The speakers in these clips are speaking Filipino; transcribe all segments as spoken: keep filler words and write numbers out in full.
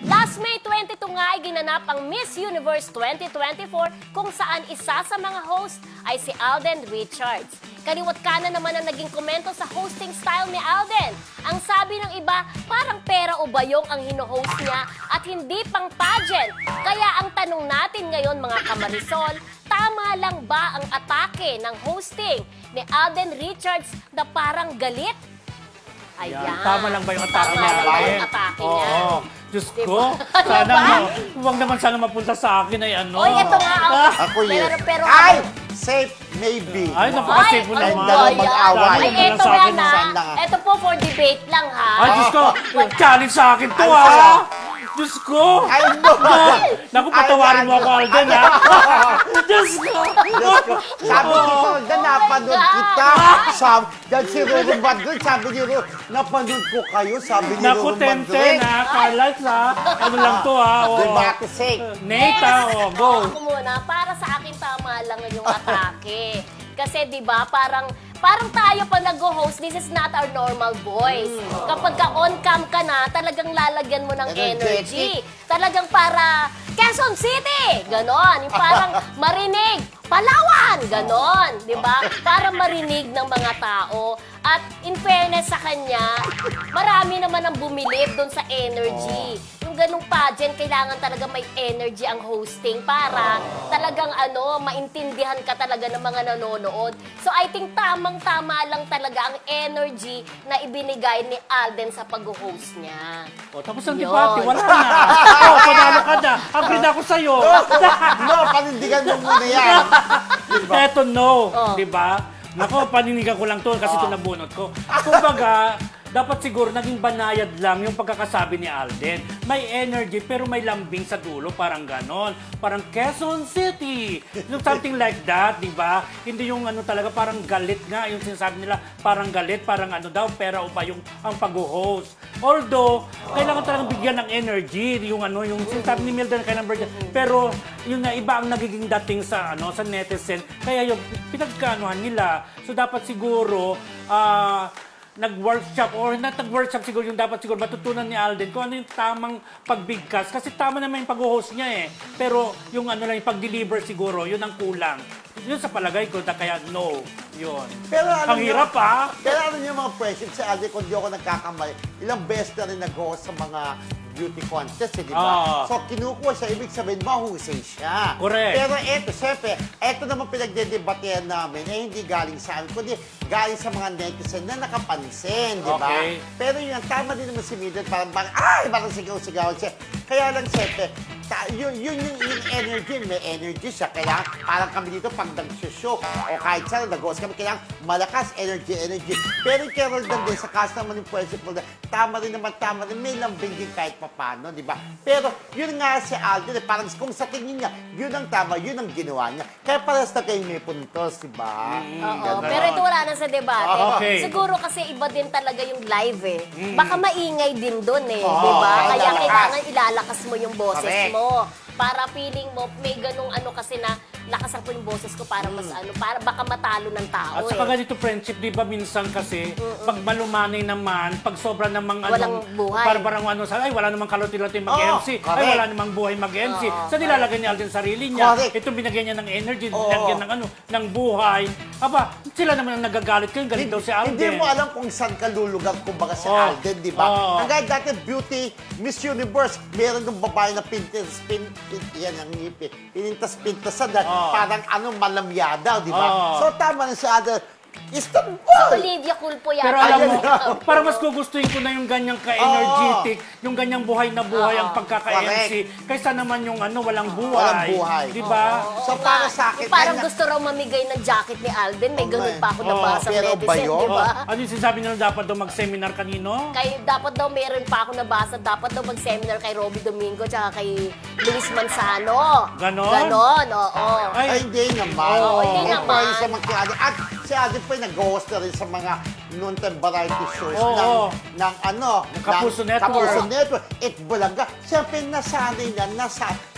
Last May twenty-two nga ay ginanap ang Miss Universe twenty twenty-four kung saan isa sa mga host ay si Alden Richards. Kaliwat kanan naman ang naging komento sa hosting style ni Alden. Ang sabi ng iba, parang pera o bayong ang hino-host niya at hindi pang pageant. Kaya ang tanong natin ngayon mga kamarisol, tama lang ba ang atake ng hosting ni Alden Richards na parang galit? Ayan. Yan. Tama lang ba yung atake Tama niya? lang ba Alden? yung atake Oo. niya? Diyos Diba? ko, Ano sana ba? mo, huwag naman sana mapunta sa akin ay ano. Oy, ito nga. oh. Ako yun. Pero, pero, Ay! Safe, maybe. Ay, napaka-safe mo Ay, naman. ano Dalawang ba yan? mag-away. Ay, Ano lang ito sa nga akin, na. saan lang, ah? Ito po for debate lang, ha? Ay, Diyos ko, challenge sa akin to Ay, ha. sa'yo. Diyos ko. Ay, no! Naku, patawarin mo ako, Alden ha. Diyos ko. Diyos ko. Sabi ko ko, na napanood kita. Sabi, dahil si Ruru Madrid, sabi ni Ruru, napanood ko kayo, sabi ni Naku, Ruru ten ten Madrid. ha. Carlight ha. Ano lang to ha. Oh. Diba, kasi, Nate ha. Oh, go. Ako muna, para sa akin tama lang yung atake. Kasi 'di ba, parang parang tayo pag nag-host, this is not our normal voice. Kapag ka on cam ka na, talagang lalagyan mo ng energy. Energetic. Talagang para Quezon City, ganon. Yung parang marinig, Palawan, ganon, 'di ba? Para marinig ng mga tao. At in fairness sa kanya, marami naman ang bumilib doon sa energy. Yung ganung pageant, kailangan talaga may energy ang hosting para talagang ano, maintindihan ka talaga ng mga nanonood. So I think tamang-tama lang talaga ang energy na ibinigay ni Alden sa pag-host niya. Oh, tapos ang Yun. debate, wala na. Oh, panalo ka na. Agree na ako sa'yo. no, panindigan mo muna yan. Diba? Eto, no. Oh. Di ba? Nako, paninigan ko lang to kasi ito nabunot ko. Kumbaga, dapat siguro naging banayad lang yung pagkakasabi ni Alden. May energy pero may lambing sa dulo, parang ganon. Parang Quezon City. Yung something like that, di ba? Hindi yung ano talaga, parang galit nga. Yung sinasabi nila, parang galit, parang ano daw, pera o pa yung ang pag-host. Although, kailangan talagang bigyan ng energy. Yung ano, yung sinasabi ni Mildred, kailangan bigyan. Pero, yun na, iba ang nagiging dating sa ano sa netizen. Kaya yung pinagkaanuhan nila. So, dapat siguro, ah, nag-workshop or not nag-workshop siguro yung dapat siguro matutunan ni Alden kung ano yung tamang pagbigkas kasi tama naman yung pag-host niya eh pero yung ano lang yung pag-deliver siguro yun ang kulang yun sa palagay ko na kaya no yun Pero ang ano hirap ah Pero ano yung mga questions sa Alden, kung di ako nagkakamali, ilang beses na rin nag-host sa mga beauty contest, eh, di ba? Ah. So, kinukuha siya, ibig sabihin, mahusay siya. Correct. Pero eto, syempre, eto naman pinagdedebatehan namin, eh, hindi galing sa amin, kundi galing sa mga netizen na nakapansin, di ba? Okay. Pero yun, tama din naman si Mildred, parang, parang, ay, parang sigaw-sigaw siya. Kaya lang, syempre, ta- yun, yun yung, yung energy, may energy siya. Kaya parang kami dito, pag nag-show, o kahit saan, nag-host kami, kailangan malakas, energy, energy. Pero yung Carol Dan din, sa kaso naman yung principle na, tama rin naman, tama rin, may lambing din kahit papano, di ba? Pero yun nga si Alden, eh, parang kung sa tingin niya, yun ang tama, yun ang ginawa niya. Kaya parehas na kayo may puntos, di ba? Oo, Ganon. pero ito wala na sa debate. Ah, okay. Siguro kasi iba din talaga yung live eh. Baka maingay din doon eh, Oo, di ba? kaya Kaya lalakas. kailangan ilalakas mo yung boses Correct. mo. Para feeling mo, may ganung ano kasi na lakasan ko yung boses ko para mas ano, para baka matalo ng tao at saka eh. ganito friendship, di ba minsan kasi, pag malumanay naman, pag sobra namang Walang anong, buhay. para parang ano, sa- ay wala namang kaloti-loti mag-M C, Oo, ay correct. wala namang buhay mag-M C. Oo, Sa nilalagay niya Alden sarili niya, Correct. ito binigyan niya ng energy, Oo. binigyan ng ano, ng buhay. Aba, sila naman ang nagagalit kayo, galit daw si Alden. Hindi mo alam kung saan ka lulugar, kumbaga si Oh. Alden, di ba? Oh. Ang gaya dati, Beauty, Miss Universe, meron ng babae na pintas, pin, pin, yan ang ngipin, pinintas-pintasan, Oh. parang ano, malamyada, di ba? Oh. So, tama na si Alden. Istanbul! Si Olivia Culpo yata. Pero alam mo, Ayun. parang mas gugustuhin ko na yung ganyang ka-energetic, yung ganyang buhay na buhay Oo. ang pagkaka-M C, kaysa naman yung ano, walang buhay. Walang buhay. Di ba? Oo So, nga. para sa akin, Yung parang kaya- gusto raw mamigay ng jacket ni Alden. May Oo ganun nga pa ako eh. nabasa Oo, pero netizen, ba yun? di ba? Oh, ano yung sinasabi nila dapat daw mag-seminar kanino? Kay, dapat daw meron pa ako nabasa, dapat daw mag-seminar kay Robby Domingo tsaka kay Luis Manzano. Ganon? Ganon, oo. Ay, Ay, hindi naman. Oo, hindi Eh, naman. pwede sa mga Alden. At si Alden po ay nag-host na rin sa mga noontime variety shows Oo. ng, ng ano, Kapuso ng Network. Kapuso Network. At Bulaga. Siyempre, nasanay na, nasa,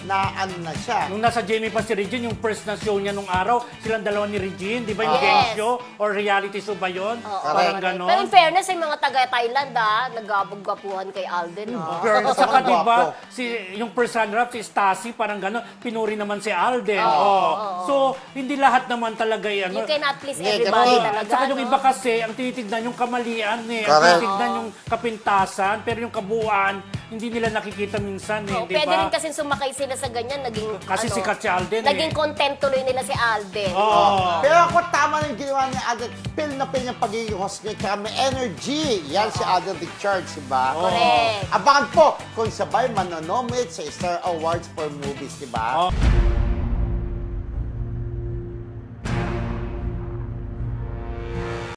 na ano na siya. Nung nasa Jamie pa si Regine, yung first na show niya nung araw, silang dalawa ni Regine, di ba yung Yes. game show? Or reality show ba yun? Oo, Parang correct. ganon. Pero in fairness, yung mga taga-Thailand, ah, nagabog-gapuhan kay Alden, ah. Pero At saka naman, di ba, gwapo. si, yung first runner-up, si Stasi, parang gano'n, pinuri naman si Alden. Oo, Oh, oo. So, hindi lahat naman talaga yan. You cannot please Yeah, everybody ganun. talaga, At saka yung no? iba kasi, ang tinitignan yung kamalian eh. Ang Correct. tinitignan yung kapintasan, pero yung kabuuan, hindi nila nakikita minsan eh, Oo, di pwede rin ba? kasi sumakay sila sa ganyan, naging, Kasi ano, sikat si Alden eh. naging content tuloy nila si Alden. Oo. Pero ako tama na yung ginawa ni Alden. Pil na pil yung pagiging host niya. Tsaka may energy. Yan si Alden Richards, diba? Correct. Abangan po kung sabay manonomit sa Star Awards for Movies, diba? Oh.